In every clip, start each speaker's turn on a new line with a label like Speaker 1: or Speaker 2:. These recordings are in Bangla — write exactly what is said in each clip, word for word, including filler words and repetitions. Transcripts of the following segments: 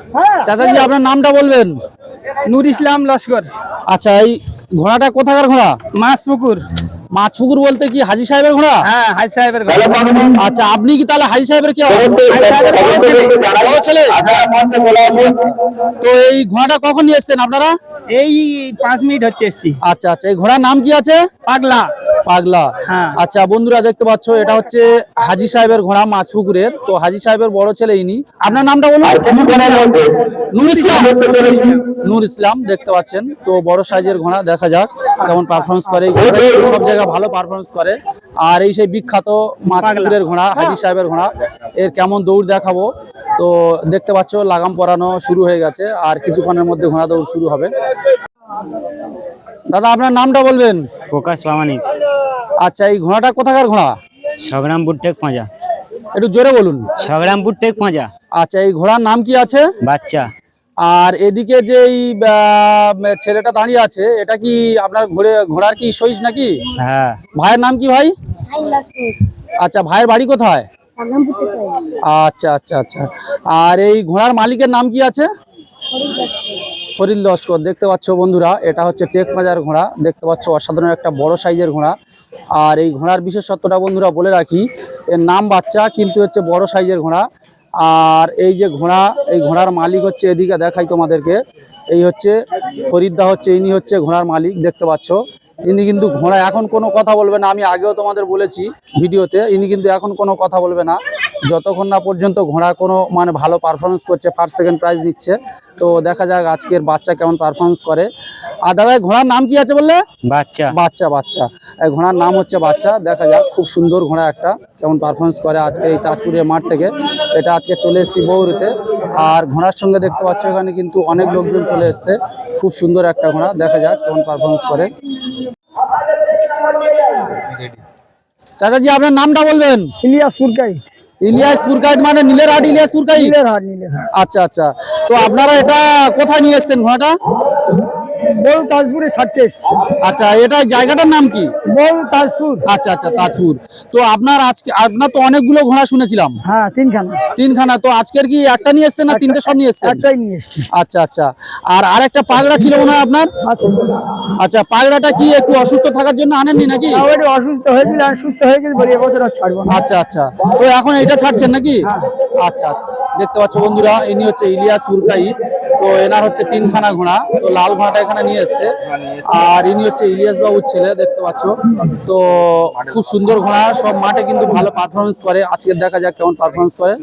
Speaker 1: চাচাজি আপনার নামটা বলবেন?
Speaker 2: নূর ইসলাম লস্কর।
Speaker 1: আচ্ছা, এই ঘোড়াটা কোথাকার ঘোড়া?
Speaker 2: মাছপুকুর।
Speaker 1: মাছপুকুর বলতে কি হাজী সাহেবের ঘোড়া?
Speaker 2: হ্যাঁ, হাজি সাহেবের ঘোড়া।
Speaker 1: আচ্ছা, আপনি কি তাহলে হাজী সাহেবের কি বড় ছেলে? তো এই ঘোড়াটা কখন নিয়ে এসছেন আপনারা?
Speaker 2: এই পাঁচ মিনিট হচ্ছে এসছি।
Speaker 1: আচ্ছা আচ্ছা, এই ঘোড়ার নাম কি আছে?
Speaker 2: পাগলা।
Speaker 1: পাগলা।
Speaker 2: হ্যাঁ।
Speaker 1: আচ্ছা বন্ধুরা দেখতে পাচ্ছ, এটা হচ্ছে হাজী সাহেবের ঘোড়া মাছপুকুরের। তো হাজী সাহেবের বড় ছেলে ইনি। আপনার নামটা বলুন। নূর ইসলাম। নূর ইসলাম দেখতে পাচ্ছেন। তো বড় সাইজের ঘোড়া, দেখা যাক কেমন পারফরমেন্স করে। সব জায়গায় ভালো পারফরমেন্স করে। আর এই সেই বিখ্যাত মাছপুকুরের ঘোড়া হাজী সাহেবের ঘোড়া, এর কেমন দৌড় দেখাবো। তো দেখতে পাচ্ছ লাগাম পরানো শুরু হয়ে গেছে, আর কিছুক্ষণের মধ্যে ঘোড়া দৌড় শুরু হবে। দাদা আপনার নামটা বলবেন?
Speaker 2: প্রকাশ প্রামাণিক।
Speaker 1: আচ্ছা, এই ঘোড়াটা কোথাকার ঘোড়া?
Speaker 2: সংগ্রামপুর টেক পাঁজা।
Speaker 1: একটু জোরে বলুন।
Speaker 2: সংগ্রামপুর টেক পাঁজা।
Speaker 1: আচ্ছা, এই ঘোড়ার নাম কি আছে?
Speaker 2: বাচ্চা।
Speaker 1: আর এদিকে যে এই ছেলেটা দাঁড়িয়ে আছে, এটা কি আপনার ঘোড়ে ঘোড়ার কি সইস নাকি?
Speaker 2: হ্যাঁ।
Speaker 1: ভাইয়ের নাম কি ভাই? আচ্ছা, ভাইয়ের বাড়ি কোথায়? আচ্ছা আচ্ছা আচ্ছা। আর এই ঘোড়ার মালিকের নাম কি আছে? ফরিদ লস্কর। দেখতে পাচ্ছ বন্ধুরা, এটা হচ্ছে টেক পাঁজার ঘোড়া। দেখতে পাচ্ছ অসাধারণ একটা বড় সাইজের ঘোড়া। আর এই ঘোড়ার বিশেষত্বটা বন্ধুরা বলে রাখি, এর নাম বাচ্চা কিন্তু হচ্ছে বড় সাইজের ঘোড়া। আর এই যে ঘোড়া, এই ঘোড়ার মালিক হচ্ছে, এদিকে দেখাই তোমাদেরকে, এই হচ্ছে ফরিদদা, হচ্ছে ইনি হচ্ছে ঘোড়ার মালিক। দেখতে পাচ্ছ ইনি কিন্তু ঘোড়া এখন কোনো কথা বলবে না। আমি আগেও তোমাদের বলেছি ভিডিওতে, ইনি কিন্তু এখন কোনো কথা বলবে না যতক্ষণ না পর্যন্ত ঘোড়া কোনো মানে ভালো পারফরমেন্স করছে, ফার্স্ট সেকেন্ড প্রাইজ নিচ্ছে। তো দেখা যাক আজকের বাচ্চা কেমন পারফরমেন্স করে। আর দাদা ঘোড়ার নাম কি আছে বললে?
Speaker 2: বাচ্চা।
Speaker 1: বাচ্চা বাচ্চা এই ঘোড়ার নাম হচ্ছে বাচ্চা। দেখা যাক, খুব সুন্দর ঘোড়া একটা, কেমন পারফরমেন্স করে আজকে এই তাজপুরের মাঠ থেকে। এটা আজকে চলে এসেছি বৌরুতে। আর ঘোড়ার সঙ্গে দেখতে পাচ্ছ এখানে কিন্তু অনেক লোকজন চলে এসছে। খুব সুন্দর একটা ঘোড়া, দেখা যাক কেমন পারফরমেন্স করে। চাচাজি আপনার নামটা বলবেন?
Speaker 3: ইলিয়াস পুরকাইত।
Speaker 1: ইলিয়াস পুরকাইত মানে নীলের হাট ইলিয়াস পুরকাইত?
Speaker 3: নীলের হাট, নীলের হাট।
Speaker 1: আচ্ছা আচ্ছা। তো আপনারা এটা কোথায় নিয়ে এসছেন ঘোড়াটা?
Speaker 3: বড় তাজপুরে ছাড়তে এসছি।
Speaker 1: আচ্ছা, এটা জায়গাটার নাম কি?
Speaker 3: বড় তাজপুর।
Speaker 1: আচ্ছা আচ্ছা, তাজপুর। তো আপনার আজকে আপনার তো অনেকগুলো ঘোড়া শুনেছিলাম।
Speaker 3: হ্যাঁ, তিনখানা।
Speaker 1: তিনখানা। তো আজকের কি একটা নিয়ে এসছেন না তিনটে সব নিয়ে এসছেন?
Speaker 3: একটাই নিয়ে এসছি।
Speaker 1: আচ্ছা আচ্ছা। আর আরেকটা পাগড়া ছিল মনে হয় আপনার?
Speaker 3: আচ্ছা।
Speaker 1: আচ্ছা, পাগড়াটা কি একটু অসুস্থ থাকার জন্য আনেননি নাকি?
Speaker 3: ওটা অসুস্থ হয়েছিল, আর সুস্থ হয়ে গেছে বলে এবছর আর ছাড়বো না।
Speaker 1: আচ্ছা আচ্ছা। তো এখন এটা ছাড়ছেন নাকি? আচ্ছা আচ্ছা। দেখতে পাচ্ছ বন্ধুরা, ইনি হচ্ছে ইলিয়াস পুরকাইত। তো এনার হচ্ছে তিনখানা ঘোড়া। তো লাল ঘোড়াটা এখানে নিয়ে এসছে। আর ইনি হচ্ছে ইলিয়াস বাবুর ছেলে, দেখতে পাচ্ছ। তো খুব সুন্দর ঘোড়া, সব মাঠে কিন্তু ভালো পারফরমেন্স করে। আজকে দেখা যাক কেমন পারফরমেন্স করে।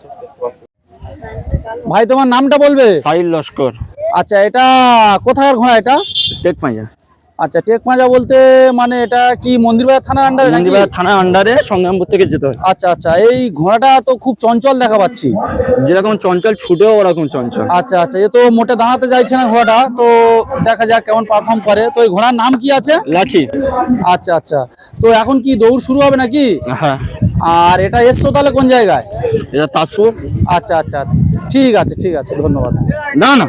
Speaker 1: ভাই তোমার নামটা বলবে?
Speaker 2: সাহিল লস্কর।
Speaker 1: আচ্ছা, এটা কোথাকার ঘোড়া এটা?
Speaker 2: টেক পাঁজা।
Speaker 1: আচ্ছা, টেক পাঁজা বলতে মানে এটা কি মন্দিরবাজার থানার আন্ডারে নাকি?
Speaker 2: মন্দিরবাজার থানার আন্ডারে, সংগ্রামপুর থেকে যেতে হয়।
Speaker 1: আচ্ছা আচ্ছা। এই ঘোড়াটা তো খুব চঞ্চল দেখা পাচ্ছি।
Speaker 2: যেরকম চঞ্চল ছুটেও ওরকম চঞ্চল।
Speaker 1: আচ্ছা আচ্ছা। এ তো মোটে দাঁড়াতে চাইছে না ঘোড়াটা। তো দেখা যাক কেমন পারফর্ম করে। তো এই ঘোড়ার নাম কি আছে?
Speaker 2: লাঠি।
Speaker 1: আচ্ছা আচ্ছা। তো এখন কি দৌড় শুরু হবে নাকি?
Speaker 2: হ্যাঁ।
Speaker 1: আর এটা এসছো তাহলে কোন জায়গায়?
Speaker 2: এটা তাজপুর।
Speaker 1: আচ্ছা আচ্ছা আচ্ছা, ঠিক আছে ঠিক আছে, ধন্যবাদ।
Speaker 2: না না।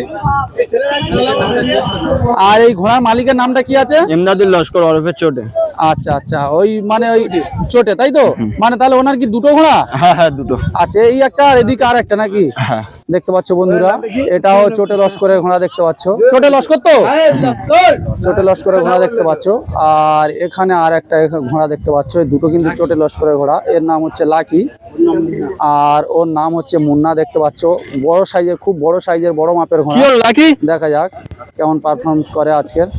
Speaker 1: আর এই ঘোড়ার মালিকের নামটা কি আছে?
Speaker 2: ইমদাদুল লস্কর ওরফে চোটে।
Speaker 1: আচ্ছা আচ্ছা, ওই মানে ওই চোটে, তাই তো? মানে তাহলে ওনার কি দুটো ঘোড়া?
Speaker 2: হ্যাঁ হ্যাঁ, দুটো।
Speaker 1: আচ্ছা, এই একটা আর এদিকে আর একটা নাকি?
Speaker 2: হ্যাঁ।
Speaker 1: দেখতে পাচ্ছ বন্ধুরা, এটাও চোটে লস্করের ঘোড়া। দেখতে পাচ্ছ চোটে লস্কর, তো চোটে লস্করের ঘোড়া দেখতে পাচ্ছ। আর এখানে আর একটা ঘোড়া দেখতে পাচ্ছ। এই দুটো কিন্তু চোটে লস্করের ঘোড়া। এর নাম হচ্ছে লাকি, আর ওর নাম হচ্ছে মুন্না। দেখতে পাচ্ছ বড় সাইজের, খুব বড় সাইজের, বড় মাপের ঘোড়া।
Speaker 2: লাকি।
Speaker 1: দেখা যাক কেমন পারফরমেন্স করে আজকের।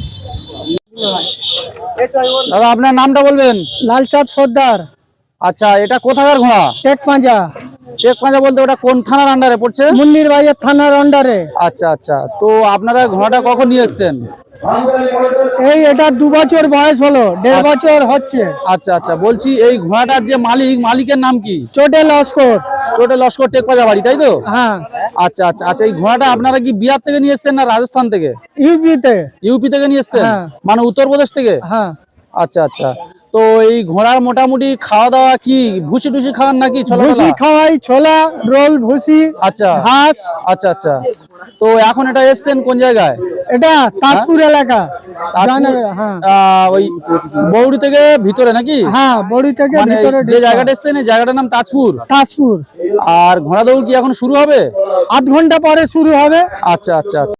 Speaker 1: দাদা আপনার নামটা বলবেন?
Speaker 3: লালচাঁদ সর্দার।
Speaker 1: আচ্ছা, এটা কোথাকার ঘোড়া?
Speaker 3: টেক পাঁজা।
Speaker 1: টেক পাঁজা বলতে ওটা কোন থানার আন্ডারে পড়ছে?
Speaker 3: মন্দিরবাজার থানার আন্ডারে।
Speaker 1: আচ্ছা আচ্ছা। তো আপনারা ঘোড়াটা কখন নিয়ে এসছেন?
Speaker 3: এই এটা দু বছর বয়স হলো, দেড় বছর হচ্ছে।
Speaker 1: আচ্ছা আচ্ছা। বলছি এই ঘোড়াটার যে মালিক, মালিকের নাম কি?
Speaker 3: চোটে লস্কর।
Speaker 1: চোটে লস্কর টেক পাঁজা বাড়ি, তাই তো?
Speaker 3: হ্যাঁ।
Speaker 1: আচ্ছা আচ্ছা আচ্ছা। এই ঘোড়াটা আপনারা কি বিহার থেকে নিয়ে এসছেন না রাজস্থান থেকে?
Speaker 3: ইউপিতে।
Speaker 1: ইউপি থেকে নিয়ে এসছেন?
Speaker 3: হ্যাঁ।
Speaker 1: মানে উত্তরপ্রদেশ থেকে?
Speaker 3: হ্যাঁ।
Speaker 1: আচ্ছা আচ্ছা, তো এই ঘোড়ার মোটামুটি খাওয়া দাওয়া কি ভুসি টুসি খাওয়ান নাকি ছোলা
Speaker 3: ভুসি খাওয়াই, ছোলা রোল ভুসি,
Speaker 1: আচ্ছা
Speaker 3: ঘাস।
Speaker 1: আচ্ছা আচ্ছা, তো এখন এটা এসছেন কোন জায়গায়?
Speaker 3: এটা তাজপুর এলাকা,
Speaker 1: তাজপুর,
Speaker 3: জয়নগর, হ্যাঁ
Speaker 1: আহ, ওই বৌড়ি থেকে ভিতরে নাকি?
Speaker 3: হ্যাঁ বড়ি থেকে
Speaker 1: মানে
Speaker 3: ভিতরে
Speaker 1: যে
Speaker 3: ঢুকতে
Speaker 1: জায়গাটা
Speaker 3: হবে।
Speaker 1: এসছেন এই জায়গাটার নাম তাজপুর।
Speaker 3: তাজপুর
Speaker 1: আর ঘোড়া দৌড় কি এখন শুরু হবে?
Speaker 3: আধ ঘন্টা পরে শুরু হবে।
Speaker 1: আচ্ছা আচ্ছা আচ্ছা।